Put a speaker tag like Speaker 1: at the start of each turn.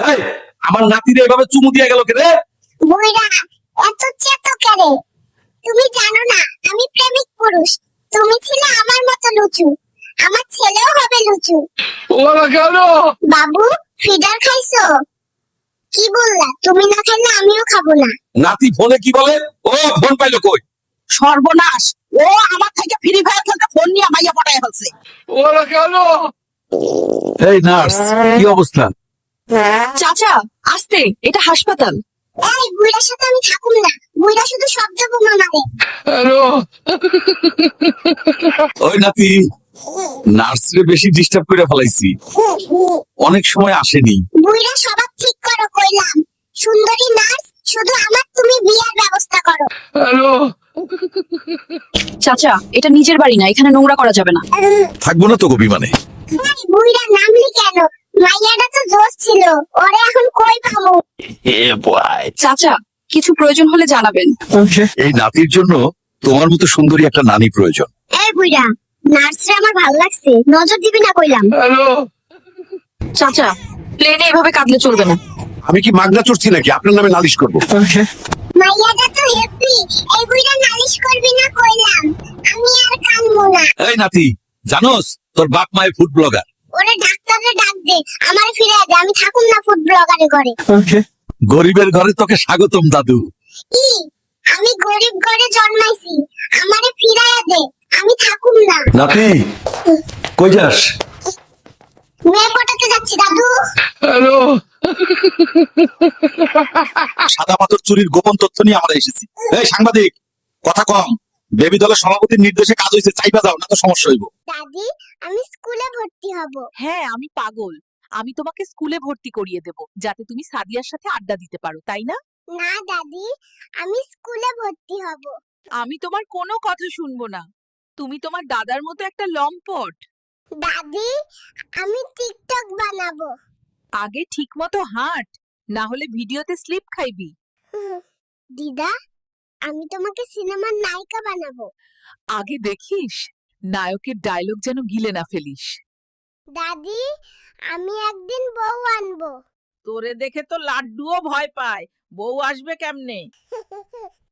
Speaker 1: এই, আমার নাতিরে এভাবে চুমু দিয়ে গেল কে রে?
Speaker 2: বুইড়া এত চেতো কেরে? তুমি জানো না আমি প্রেমিক পুরুষ। তুমি ছিলে আমার মতো লুচু, আমার ছেলেও হবে লুচু।
Speaker 1: ওরা কেন?
Speaker 2: বাবু ফিডার খাইছো? কি বললা? তুমি না খাইলে আমিও খাবো না।
Speaker 1: নাতি ফোনে কি বলে? ও ফোন পাইলো কই?
Speaker 3: সর্বনাশ, ও আমার থেকে ফ্রি ফায়ার খেলতে ফোন নিয়ে মাইয়া পটায় ফেলছে।
Speaker 1: ওরা কেন? এই নার্স, কি অবস্থা?
Speaker 4: চাচা আস্তে, এটা হাসপাতাল।
Speaker 2: এই বুইড়ার সাথে আমি থাকুম না। বুইড়া শুধু শব্দ বোমা মারে।
Speaker 1: হ্যালো। ওই নাতি, নার্সরে বেশি ডিস্টার্ব করে ফেলাইছি, অনেক সময় আসেনি।
Speaker 2: বুইড়া সবার ঠিক করো কইলাম। সুন্দরী নার্স, শুধু আমার তুমি বিয়ার ব্যবস্থা করো।
Speaker 1: হ্যালো।
Speaker 4: চাচা এটা নিজের বাড়ি না, এখানে নোংরা করা যাবে না।
Speaker 1: থাকবো না তো গো বিমানে।
Speaker 2: এই বুইড়া নামলি কেন? মাইয়াটা তো জোশ ছিল, ওরে এখন কই পাবো?
Speaker 4: চাচা কিছু প্রয়োজন হলে জানাবেন।
Speaker 1: এই নাতির জন্য তোমার মতো সুন্দরী একটা নানি প্রয়োজন।
Speaker 2: এই বুইড়া, নার্সরে আমার ভালো লাগছে, নজর দিবি না কইলাম।
Speaker 4: চাচা প্লেনে এভাবে কাঁদলে চলবে না।
Speaker 1: আমি কি মাগনা চড়ছি নাকি আপনার নামে নালিশ করব?
Speaker 2: মাইয়াটা তো হ্যাপি, এই বুইড়া নালিশ করবি না কইলাম। আমি আর কানবো না।
Speaker 1: এই নাতি, জানোস তোর বাপ মায়ের ফুড ব্লগার।
Speaker 2: ওরে ডাক্তারে ডাক দে, আমারে ফিরায় দে, আমি থাকুম না ফুড ব্লগারে করে।
Speaker 1: গরিবের ঘরে তোকে স্বাগতম দাদু।
Speaker 2: ই আমি গরিব ঘরে জন্মাইছি, আমারে ফিরায় দে, আমি থাকুম না।
Speaker 1: নাতি কই যাস?
Speaker 2: মেয়ে পটাতে যাচ্ছি দাদু।
Speaker 1: সাদা পাথর চুরির গোপন তথ্য নিয়ে আমরা এসেছি। এই সাংবাদিক, কথা কম। বেবি দলের সভাপতির নির্দেশে কাজ হয়েছে, চাইবা যাও না তো সমস্যা হইব।
Speaker 2: দাদি আমি স্কুলে ভর্তি হব।
Speaker 3: হ্যাঁ আমি পাগল, আমি তোমাকে স্কুলে ভর্তি করিয়ে দেব যাতে তুমি সাদিয়ার সাথে আড্ডা দিতে পারো, তাই না?
Speaker 2: না দাদি, আমি স্কুলে ভর্তি হব।
Speaker 3: আমি তোমার কোনো কথা শুনবো না। তুমি তোমার দাদার মতো একটা লম্পট।
Speaker 2: দাদি আমি টিকটক বানাবো।
Speaker 3: আগে ঠিক মতো হাঁট, না হলে ভিডিওতে স্লিপ খাইবি।
Speaker 2: দিদা আমি তোমাকে সিনেমার নায়িকা বানাবো।
Speaker 3: আগে দেখিস নায়কের ডায়লগ যেন গিলে না ফেলিস।
Speaker 2: দাদি আমি একদিন বউ আনবো।
Speaker 3: তোরে দেখে তো লাড্ডুও ভয় পায়, বউ আসবে কেমনে?